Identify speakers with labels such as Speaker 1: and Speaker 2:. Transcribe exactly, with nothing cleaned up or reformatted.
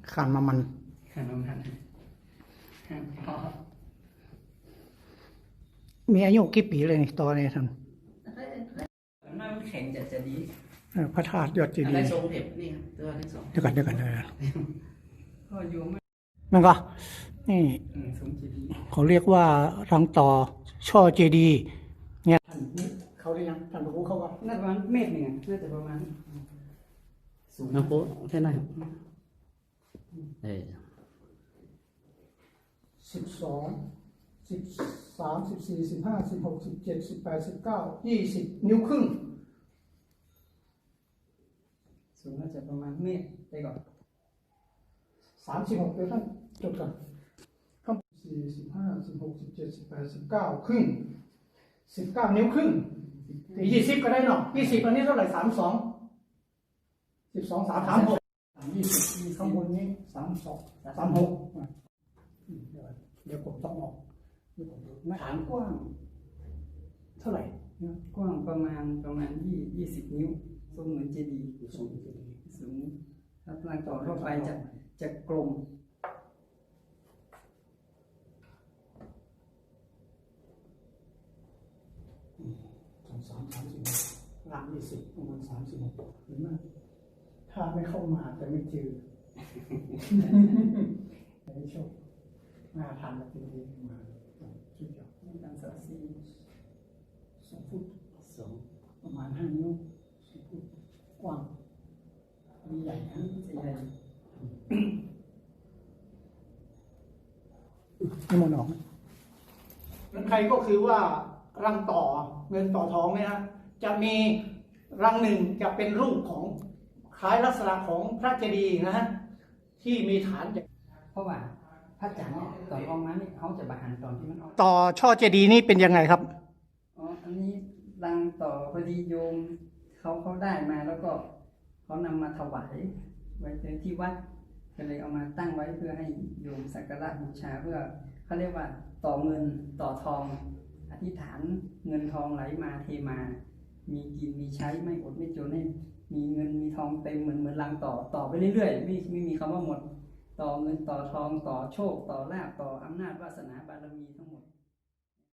Speaker 1: ขันมามัน
Speaker 2: ขนมทันพอ
Speaker 1: มีอายุกี่ปีเลยนี่ตอนนี้ท่าน
Speaker 2: น้ำแข็งจะจะดี
Speaker 1: พระธาตุยอดเจดี
Speaker 2: อะไร
Speaker 1: ย์
Speaker 2: ทรงเผ็ดนี่ครับตัวที่สอง
Speaker 1: เดี๋ยวกันเดี๋ยวกันเดี๋ยวกัน
Speaker 2: ก็อยู่ไม่
Speaker 1: นั่นก็นี่
Speaker 2: ทรงเจดีย์
Speaker 1: เขาเรียกว่ารังต่อช่อเจดีย์เนี่ยท่านเขาเรียกยังท่านรู้เขาว่า
Speaker 2: น่าจะประมาณเมตรหนึ่งน่าจะประมาณสูงนะโค้แค่ไหนเออ
Speaker 1: สิบสองสิบสามสิบสี่สิบห้าสิบหกสิบเจ็ดสิบแปดสิบเก้ายี่สิบนิ้วครึ่ง
Speaker 2: สูงน่าจะประมาณเมตรไปก่อน
Speaker 1: สามสิบหกเดี๋ยวท่านจดก่อนข้างสี่สิบห้าสิบหกสิบเจ็ดสิบแปดสิบเก้าครึ่งสิบเก้านิ้วครึ่งยี่สิบก็ได้เนาะยี่สิบอันนี้เท่าไหร่สามสองสิบสองสามสามหกยี่สิบข้างบนนี้สามสองสามหกเดี๋ยวผมต้องออก
Speaker 2: ฐานกว้าง
Speaker 1: เท่าไหร่
Speaker 2: กว้างประมาณประมาณยี่ยี่สิบนิ้วทรงเหมือนเจดีย์
Speaker 1: สูงเจดีย์
Speaker 2: สูงถ้าพลังต่อทั่วไปจะจะกลม
Speaker 1: สองสามสามสิบหลังยี่สิบประมาณสามสิบหกหรือไม่ถ้าไม่เข้ามาจะไม่เจอไม่โชคหน้าทานแบบนี้มาชุดเดียว
Speaker 2: การสักซี
Speaker 1: สองฟุต
Speaker 2: สอง
Speaker 1: ประมาณห้านิ้วสองฟุตกว้างมีใหญ่นะ
Speaker 2: ใหญ่
Speaker 1: นี่มันออกเงินใครก็คือว่ารังต่อเงินต่อทองเนี่ยนะจะมีรังหนึ่งจะเป็นรูปของคล้ายลักษณะของพระเจดีย์นะฮะที่มีฐาน
Speaker 2: เพราะว่าพระจันทร์เนี่ยตอนออกมานี่เขาจะบาหันตอนที่มันออก
Speaker 1: ต่อช่อเจดีย์นี่เป็นยังไงครับ
Speaker 2: อ๋ออันนี้รังต่อพอดีโยมเขาเขาได้มาแล้วก็เขานำมาถวายไว้ที่วัดก็เลยเอามาตั้งไว้เพื่อให้โยมสักการะบูชาเพื่อเขาเรียกว่าต่อเงินต่อทองอธิษฐานเงินทองไหลมาเทมามีกินมีใช้ไม่อดไม่จนให้มีเงินมีทองเต็มเหมือนเหมือนรังต่อต่อไปเรื่อยๆไม่ไม่มีคำว่าหมดต่อเงินต่อทองต่อโชคต่อลาภต่ออำนาจวาสนาบารมีทั้งหมด